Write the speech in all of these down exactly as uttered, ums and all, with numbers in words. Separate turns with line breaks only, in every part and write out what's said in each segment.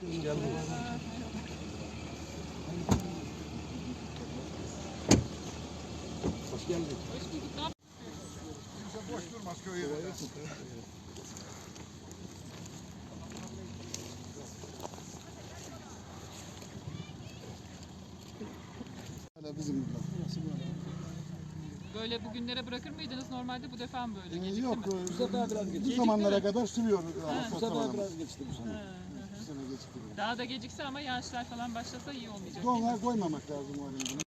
Hoş geldin.
Hoş bulduk.
Kimse boş durmaz köy yerinde.
Hala bizim
Böyle bugünlere bırakır mıydınız normalde? Bu defa mı böyle?
Ee,
Gecikti
yok,
mi?
bu
sefer biraz geçti.
Bu zamanlara
mi?
kadar sürüyor.
Bu sefer biraz geçti bu sene.
Hı, hı,
Bu
hı.
sene geçti.
Daha da gecikse ama yağışlar falan başlasa iyi olmayacak.
Donlar koymamak lazım o halinde.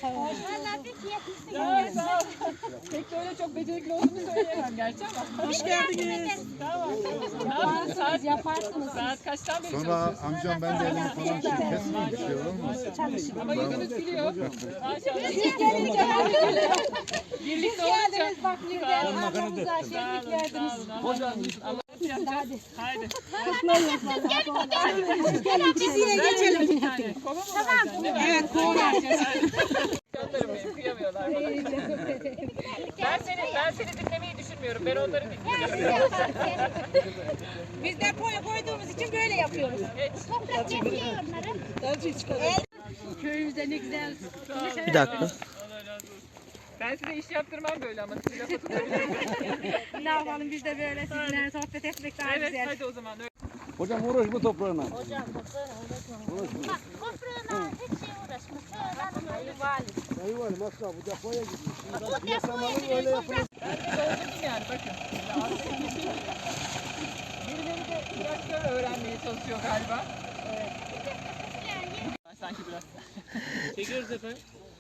Ya, sağ ol. Pek de öyle çok becerikli olduğumu söyleyemem gerçi ama. Hoş geldiniz. Tamam. Ne yapıyorsunuz? Saat, yaparsınız. Saat kaçtan beri
Sonra
çalışıyorsunuz?
amcam ben de elimi falan şey kesmiyor bir şey olur mu?
Ama yüzünüz gülüyor. Maşallah. Birlikte olunca.
Bak birden ablamıza şenlik verdiniz.
Hocam. Allah hadi. Haydi.
Biz yine geçelim.
Bir tane. Kova mı tamam. Evet, kova vereceğiz. Canlarım benim, kıyamıyorlar bana. Ben seni, ben seni dinlemeyi düşünmüyorum. Ben onları dinleyeceğim.
Biz de koy koyduğumuz için böyle yapıyoruz. Toprak yetmiyor onların. Köyümüzde ne güzel.
Bir dakika.
Allah razı olsun. Ben size iş yaptırmam böyle ama siz lafa tutabilirim.
Ne yapalım biz de böyle sizinle sohbet etmek daha
Evet,
güzel.
hadi o zaman.
Hocam uğraşma toprağına.
Hocam toprağına uğraşma. Bak toprağına hiç şey uğraşma. Şöyle ayı var.
Sayı var masraf bu depoya gitmiş.
Bu depoya gidiyor toprak.
Ben de doldurdum yani bakın. Birileri de traktör öğrenmeye çalışıyor galiba. Evet. Sanki biraz.
Çekiyoruz efendim.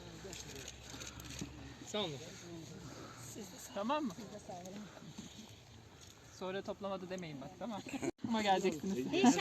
Sağ olun.
Tamam mı? Sonra toplamadı demeyin bak, tamam. Ama geleceksiniz.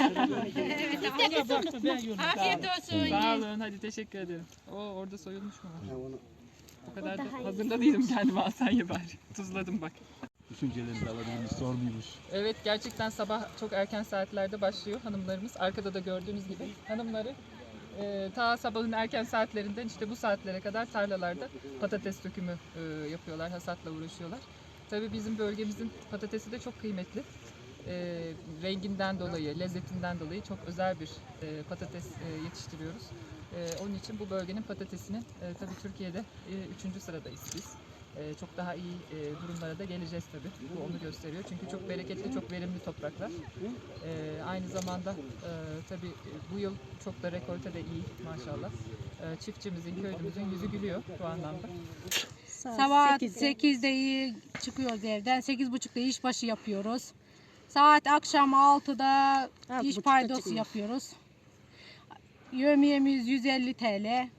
Afiyet olsun.
Sağ olun, hadi teşekkür ederim. O orada soyulmuş mu var? O kadar da hazırda değilim kendime, al sen ye bari. Tuzladım bak.
Düşüncelerinizi alabildiğimiz sormuymuş.
Evet, gerçekten sabah çok erken saatlerde başlıyor hanımlarımız. Arkada da gördüğünüz gibi hanımları e, ta sabahın erken saatlerinden işte bu saatlere kadar tarlalarda patates dökümü e, yapıyorlar, hasatla uğraşıyorlar. Tabii bizim bölgemizin patatesi de çok kıymetli. E, renginden dolayı, lezzetinden dolayı çok özel bir e, patates e, yetiştiriyoruz. E, onun için bu bölgenin patatesinin e, tabii Türkiye'de e, üçüncü sıradayız biz. E, çok daha iyi e, durumlara da geleceğiz tabii. Bu onu gösteriyor. Çünkü çok bereketli, çok verimli topraklar. E, aynı zamanda e, tabii e, bu yıl çok da rekolte de iyi maşallah. E, çiftçimizin, köylümüzün yüzü gülüyor bu anlamda.
Sabah sekizde iyi çıkıyoruz evden. sekiz buçukta işbaşı yapıyoruz. Saat akşam altıda iş paydosu yapıyoruz. Yevmiyemiz yüz elli T L.